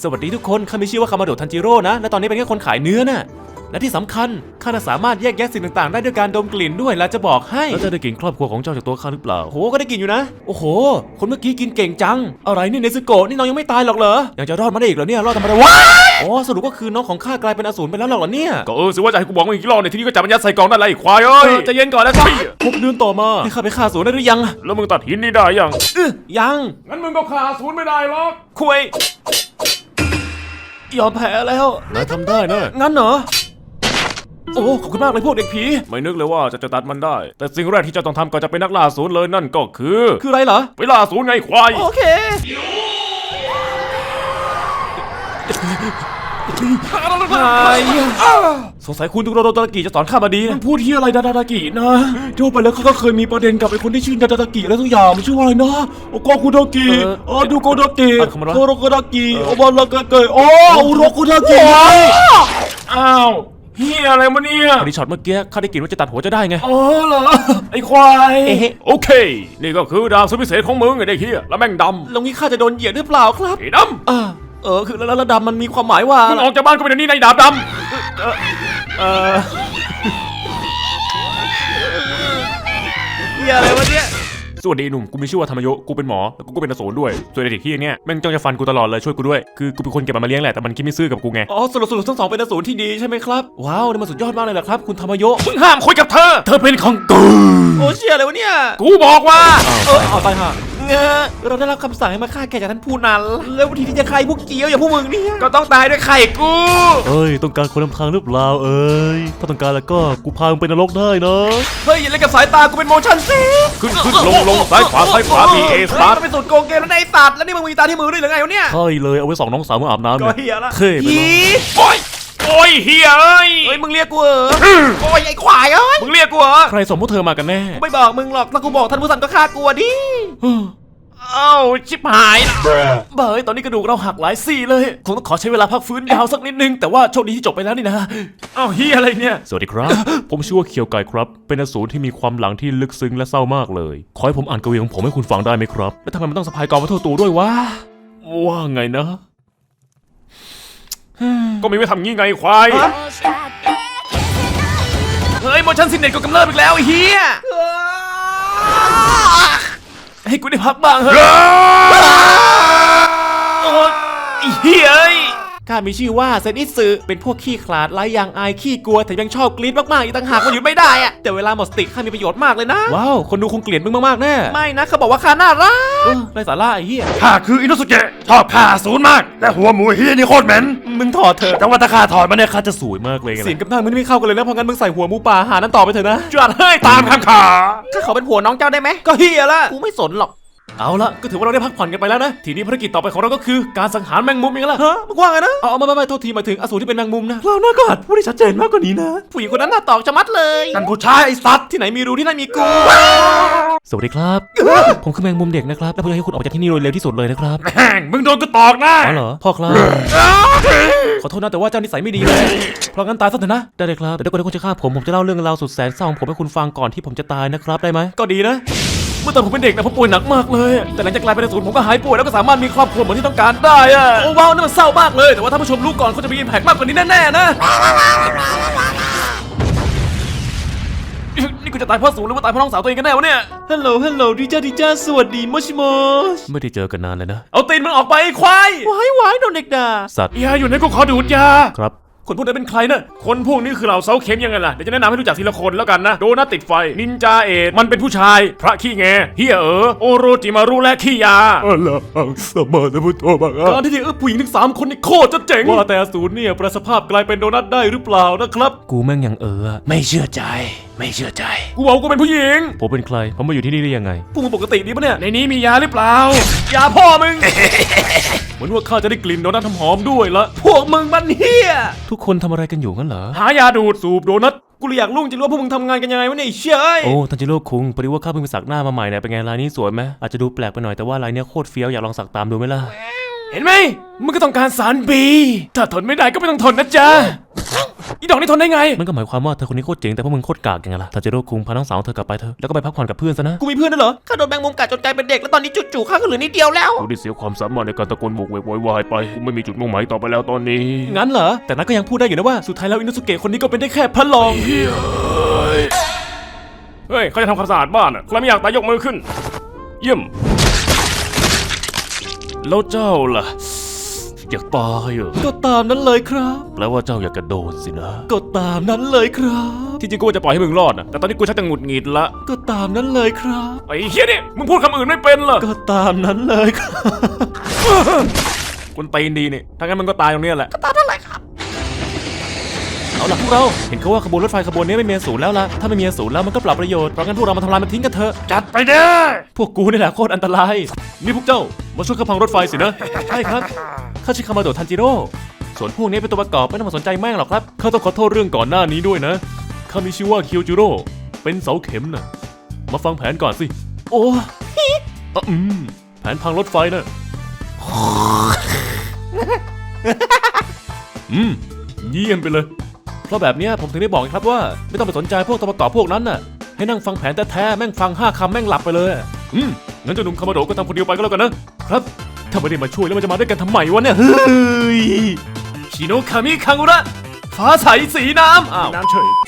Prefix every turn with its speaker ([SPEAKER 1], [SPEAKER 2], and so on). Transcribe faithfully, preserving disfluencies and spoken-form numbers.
[SPEAKER 1] สวัสดีทุกคนข้ามีชื่อว่าคามาโดะทันจิโร่นะและตอนนี้เป็นแค่คนขายเนื้อน่ะและที่สำคัญข้าสามารถแยกแยะสิ่งต่างๆได้ด้วยการดมกลิ่นด้วยและจะบอกให้แล้วจะได้กลิ่นครอบครัวของเจ้าจากตัวข้าหรือเปล่าโหก็ได้กลิ่นอยู่นะโอ้โหคนเมื่อกี้กินเก่งจังอะไรนี่เนซึโกะนี่น้องยังไม่ตายหรอกเหรอยังจะรอดมาได้อีกเหรอเนี่ยรอดทำไมวะอ๋อสรุปก็คือน้องของข้ากลายเป็นอสูรไปแล้วหรอเนี่ย
[SPEAKER 2] ก็เออสิว่าจะให้กูบอกมึงอีกรอบในที่นี้ก็จับมันยัดใส่กล่องนั่นแหละไอ้ควายเอ้ย
[SPEAKER 1] ใจเย็นก่อนนะครับพบเดือนต่อมาให้ข้าไปฆ่าอสูรได้หรือยัง
[SPEAKER 2] แล้วมึงตัดหินนี่ได้ยัง
[SPEAKER 1] เออยัง
[SPEAKER 2] งั้นมึงก็ฆ่าอสูรไม่ได้หรอก
[SPEAKER 1] คุยยอมแพ้แล้ว
[SPEAKER 2] นายทำได้นะ
[SPEAKER 1] งั้นเหรอโอ้ขอบคุณมากเลยพวกเด็กผี
[SPEAKER 2] ไม่นึกเลยว่าจะจะตัดมันได้แต่สิ่งแรกที่จะต้องทำก่อนจะเป็นนักล่าอสูรเลยนั่นก็คือ
[SPEAKER 1] คืออะไรเหรอ
[SPEAKER 2] ไปล่าอสูรไงควาย
[SPEAKER 1] โอเคสงสัยคุณตุโรโดตากิจะสอนข้ามาดี
[SPEAKER 3] มันพูดที่อะไรดาดาตากินะทั่วไปแล้วเขาก็เคยมีประเด็นกับไอ้คนที่ชื่อดาดาตากิแล้วทุกอย่างมันชื่อว่าอะไรนะโอโกคุดากิอ๋อดูโกดากิโกโรโกดากิโอบาลากาเกยอ๋ออุโรโกดากิ
[SPEAKER 2] อ้าวเฮียอะไรมาเนี่ย
[SPEAKER 1] พอดีช็อตเมื่อกี้ข้าได้กลิ่นว่าจะตัดหัวจะได้ไง
[SPEAKER 3] อ๋อเหรอไอ้ควาย
[SPEAKER 2] โอเคนี่ก็คือดาบสุดพิเศษของมึงไอ้เด็กเฮียแล้วแม่งดำ
[SPEAKER 1] แล้วงี้ข้าจะโดนเหยียดหรือเปล่าครับ
[SPEAKER 2] ไอ้ดำ
[SPEAKER 1] อ่าเออคือแล้วดำมันมีความหมายว่า
[SPEAKER 2] มึงออกจากบ้านก็เป็นนี่ในดาบดำ
[SPEAKER 1] เออเฮียอะไรวะเนี่ย
[SPEAKER 2] สวัสดีหนุ่มกูมีชื่อว่าธรรมโยกูเป็นหมอแล้วกูก็เป็นอสูรด้วยส่วนไอ้เด็กที่เนี่ยแม่งจ้องจะฟันกูตลอดเลยช่วยกูด้วยคือกูเป็นคนเก็บมันมาเลี้ยงแหละแต่มันคิดไม่ซื่อกับกูไง
[SPEAKER 1] อ๋อสรุปสรุปทั้งสองเป็นอสูรที่ดีใช่ไหมครับว้าวนี่มันสุดยอดมากเลยแหละครับคุณธรรมโย
[SPEAKER 2] มึงห้ามคุยกับเธอเธอเป็นของกู
[SPEAKER 1] โอ้เชี่ยอะไรวะเนี่ย
[SPEAKER 2] กูบอกว่า
[SPEAKER 1] เออเอาตายห่าเงอเราได้รับคำสั่งให้มาฆ่าแกจากท่านผู้นั้นแล้ววิธีที่จะใครพวกเกี้ยวอย่างพวกมึงเนี่ย
[SPEAKER 2] ก็ต้องตายด้วยไข่กู
[SPEAKER 3] เอ้ยต้องการคนนำทางหรือเปล่าเอ้ยถ้าต้องการแล้วก็กูพามึงไปนรกได้นะ
[SPEAKER 1] เฮ้ยอย่าเล่นกับสายตากูเป็นโมชั่นสิ
[SPEAKER 2] ขึ้นขึ้นลงลงซ้ายขวาซ้ายขวาบีเอสตาร์ท
[SPEAKER 1] เป็นสูตรโกงเกมแล้วได้สัตว์แล้วนี่มึงมีตาที่มือด้วยหรือไงวะเนี่ย
[SPEAKER 3] ใช่เลยเอาไว้ส่องน้องสาวมึงอาบน้ำ
[SPEAKER 1] ก็เฮียละ
[SPEAKER 3] เท่ไปเลย
[SPEAKER 2] โอ้ยโอ้ยเฮียเอ้ย
[SPEAKER 1] เฮ้ยมึงเรียกกูเหรอโอ้ยไอ้ควายเอ้ย
[SPEAKER 2] มึงเรียกกูเหรอ
[SPEAKER 1] ใครส่งพวกเธอมากันแน่ไม่บอกมึงหรอกถ้ากูบอกท่านผู้สั่งก็ฆ่ากูดิ
[SPEAKER 2] เอ้าชิบหายนะ
[SPEAKER 1] เบ้ยตอนนี้กระดูกเราหักหลายซี่เลยคงต้องขอใช้เวลาพักฟื้นยาวสักนิดนึงแต่ว่าโชคดีที่จบไปแล้วนี่นะ
[SPEAKER 2] เอ้าเฮียอะไรเนี่ย
[SPEAKER 3] สวัสดีครับ ผมชื่อว่าเคียวไกครับเป็นอสูรที่มีความหลังที่ลึกซึ้งและเศร้ามากเลยขอให้ผมอ่านกวีของผมให้คุณฟังได้ไหมครับ
[SPEAKER 1] แล้วทำไมมันต้องสะพายกองมาทั่วตัวด้วยวะ
[SPEAKER 3] ว่าไงนะ
[SPEAKER 2] ก็มีไว้ทำงี้ไงควาย
[SPEAKER 1] เฮ้ยโมชั่นซินเน็ตก็กำเริบอีกแล้วไอ้เฮียให้กูได้พักบ้างเฮ้ยโอ้ยเฮ้ยข้ามีชื่อว่าเซนิสึเป็นพวกขี้ขลาดไร้ยางอายขี้กลัวแต่ยังชอบกรี๊ดมากๆอีกต่างหากมันหยุดไม่ได้อะแต่เวลาหมดสติข้ามีประโยชน์มากเลยนะว้าวคนดูคงเกลียดมึงมากๆแน่ไม่นะเขาบอกว่าข้าน่ารักไรสาระไอ้เหี้ย
[SPEAKER 2] ข้าคืออินุสุเกะชอบฆ่าศูนย์มากแต่หัวหมูเฮียนี่โคตรเหม็น
[SPEAKER 1] มึงถอดเถอะ
[SPEAKER 2] แต่ว่าถ้าข้าถอดมันเนี่ยข้าจะสวยมากเลย
[SPEAKER 1] เสียงกับหน้ามึงไม่เข้ากันเลยนะเพราะงั้นมึงใส่หัวหมูป่าหานั้นต่อไปเถอะนะ
[SPEAKER 2] จวดเฮ้ยตามคำขา
[SPEAKER 1] ข้าขอเป็นผัวน้องเจ้าได้ไหมก็เฮียละกูไม่สนหรอกเอาละก็ถือว่าเราได้พักผ่อนกันไปแล้วนะทีนี้ภารกิจต่อไปของเราก็คือการสังหารแมงมุมยังไงล่ะฮะมึงว่าไงนะเอาไม่ไม่ไม่โทษทีหมายถึงอสูรที่เป็นแมงมุมนะเราหน้ากอดพูดได้ชัดเจนมากกว่านี้นะผู้หญิงคนนั้นหน้าตอกจะมัดเลย
[SPEAKER 2] นั่นผู้ชายไอ้สัตว์
[SPEAKER 1] ที่ไหนมีรูที่นั่นมีกู
[SPEAKER 3] สวัสดีครับผมคือแมงมุมเด็กนะครับและผมอยากให้คุณออกจากที่นี่โดยเร็วที่สุดเลยนะครับ
[SPEAKER 2] แม่งมึงโดนกูตอกนะ
[SPEAKER 3] อ๋อเหรอพ่อครับ
[SPEAKER 1] ขอโทษนะแต่ว่าเจ้านิสัยไม่ดีเลยเพราะงั้นตายซะเถอะนะ
[SPEAKER 3] ได้เลยครับแต่ถ้าคนที่คุณจะฆ่าผมผมจะเล่าเรื่องราวสุดแสนเศร้าของผมให้คุณฟังก่อนที่ผมจะตายนะครับได้ไหม
[SPEAKER 1] ก็ดีนะเมื่อตอนผมเป็นเด็กนะผมป่วยหนักมากเลยแต่หลังจากกลายเป็นอสูรผมก็หายป่วยแล้วก็สามารถมีครอบครัวเหมือนที่ต้องการได้อะโอ้ว้าวนั่นมันเศร้ามากเลยแต่ว่าถ้าผู้ชมรู้ก่อนเขาจะมีอิมแพคมากกว่านี้แน่ๆนะนี่กูจะตายเพราะสูรหรือว่าตายเพราะน้องสาวตัวเองกันแน่วะเนี่ยฮัลโหลฮัลโหลดีจ้าดีจ้าสวัสดีมอชิโมช
[SPEAKER 3] ไม่ได้เจอกันนานเลยนะ
[SPEAKER 1] เอาตีนมันออกไปควายวายวายโดนเด็กด่า
[SPEAKER 3] สัตว์
[SPEAKER 2] ยาอยู่ในกูขอดูดยา
[SPEAKER 3] ครับ
[SPEAKER 1] คนพวกนั้นเป็นใครนะ
[SPEAKER 2] คนพวกนี้คือเหล่าเซาเข็มยังไงล่ะเดี๋ยวจะแนะนำให้รู้จักทีละคนแล้วกันนะโดนัทติดไฟนินจาเอ็ดมันเป็นผู้ชายพระขี้แงเฮียเอ๋อโอโรจิมารุและขี้ยา
[SPEAKER 3] อ๋อเหรอสมานพุทโธบัง
[SPEAKER 1] การที่เออผู้หญิงถึงสามคนนี่โคตรจะเจ๋งว่าแต่อสูรเนี่ยประสภาพกลายเป็นโดนัทได้หรือเปล่านะครับ
[SPEAKER 3] กูแม่งยังเออ
[SPEAKER 1] ไม่เชื่อใจไม่เชื่อใจ
[SPEAKER 2] กูบอกกูเป็นผู้หญิง
[SPEAKER 3] ผมเป็นใครผมมาอยู่ที่นี่ได้ยังไง
[SPEAKER 1] พวกมึงปกติดีปะเนี่ย
[SPEAKER 2] ในนี้มียาหรือเปล่ายาพ่อมึง
[SPEAKER 1] เหมือนว่าข้าจะได้กลิ่นโดนัทหอมด้วยละพวกมึงมันเฮีย
[SPEAKER 3] ทุกคนทำอะไรกันอยู่งั้นเหรอ
[SPEAKER 2] หายาดูดสูบโดนัท
[SPEAKER 1] กูเลยอยากรู้จริงว่าพวกมึงทำงานกันยังไงวะเนี่ยเชี่ย
[SPEAKER 3] โอ้ทันจิโร่คุงพอดีว่าข้าเพิ่งไปสักหน้ามาใหม่เนี่ยเป็นไงลายนี้สวยไหมอาจจะดูแปลกไปหน่อยแต่ว่าลายนี้โคตรเฟี้ยวอยากลองสักตามดูไหมล่ะ
[SPEAKER 1] เห็นไหมมึงก็ต้องการสารบีถ้าทนไม่ได้ก็ไม่ต้องทนนะจ๊ะ
[SPEAKER 2] อีดอกนี่ทนได้ไง
[SPEAKER 1] มันก็หมายความว่าเธอคนนี้โคตรเจ๋งแต่พวกมึงโคตรกากยังไงล่ะทาจิโร่คุงพาน้องสาวเธอกลับไปเถอะแล้วก็ไปพักผ่อนกับเพื่อนซะนะ
[SPEAKER 3] กูมีเพื่อนด้วยเหรอ
[SPEAKER 4] ข้าโดนแมงมุมกัดจนกลายเป็นเด็กแล้วตอนนี้จู่ๆข้าก็เหลือนิดเดียวแล้ว
[SPEAKER 2] กูได้เสียความสามารถในการตะโกนโวกเวกโวยวายไปกูไม่มีจุดมุ่งหมายต่อไปแล้วตอนนี้
[SPEAKER 1] งั้นเหรอแต่นัทก็ยังพูดได้อยู่นะว่าสุดท้ายแล้วอินุสุเกะคนนี้ก็เป็นได้แค่พระรอง
[SPEAKER 2] เฮ้ยเขาจะทำความสะอาดบ้านอ่ะใครไม่อยากตายยกมือขึ้น เยี่ยมแล้วเจ้าล่ะอยากตายเหรอ
[SPEAKER 1] ก็ตามนั้นเลยครับ
[SPEAKER 2] แปลว่าเจ้าอยากกระโดดสินะ
[SPEAKER 1] ก็ตามนั้นเลยครับ
[SPEAKER 2] ที่จริงกูว่าจะปล่อยให้มึงรอดนะแต่ตอนนี้กูชักจะหงุดหงิดละ
[SPEAKER 1] ก็ตามนั้นเลยครับ
[SPEAKER 2] ไอ้เฮียนี่มึงพูดคำอื่นไม่เป็นเหรอ
[SPEAKER 1] ก็ตามนั้นเลยครับ
[SPEAKER 2] คนตีนดีนี่ถ้างั้นมึงก็ตายตรงเนี้ยแหละ
[SPEAKER 1] เอาล่ะพวกเราเห็นเขาว่าขบวนรถไฟขบวนนี้ไม่มีศูนย์แล้วล่ะถ้าไม่มีศูนย์แล้วมันก็เปล่าประโยชน์เพราะงั้นพวกเรามาทำลายมันทิ้งกันเถอะ
[SPEAKER 2] จัดไปเด้อ
[SPEAKER 1] พวกกูนี่แหละโคตรอันตรายนี่พวกเจ้ามาช่วยข้าพังรถไฟสินะ ใช่ครับข้าชื่อคามาโดะทันจิโร่ส่วนพวกนี้เป็นตัวประกอบไม่ต้องมาสนใจแม่งหรอกครับข้าต้องขอโทษเรื่องก่อนหน้านี้ด้วยนะข้ามีชื่อว่าเคียวจิโร่เป็นเสาเข็มนะมาฟังแผนก่อนสิโอ้อ่ะอืมแผนพังรถไฟนะ อืมเยี่ยมไปเลย เพราะแบบเนี้ยผมถึงได้บอกไงครับว่าไม่ต้องไปสนใจพวกตัวประกอบพวกนั้นน่ะให้นั่งฟังแผนแท้ๆแม่งฟังห้าคำแม่งหลับไปเลยอืมงั้นเจ้าหนุ่มคามาโดะก็ทำคนเดียวไปก็แล้วกันนะครับถ้าไม่ได้มาช่วยแล้วมันจะมาด้วยกันทำไมวะเนี่ยเฮ้ยชิโนคามิคังุระฟ้าใสสีน้ำอ้าว
[SPEAKER 2] น้ำเฉย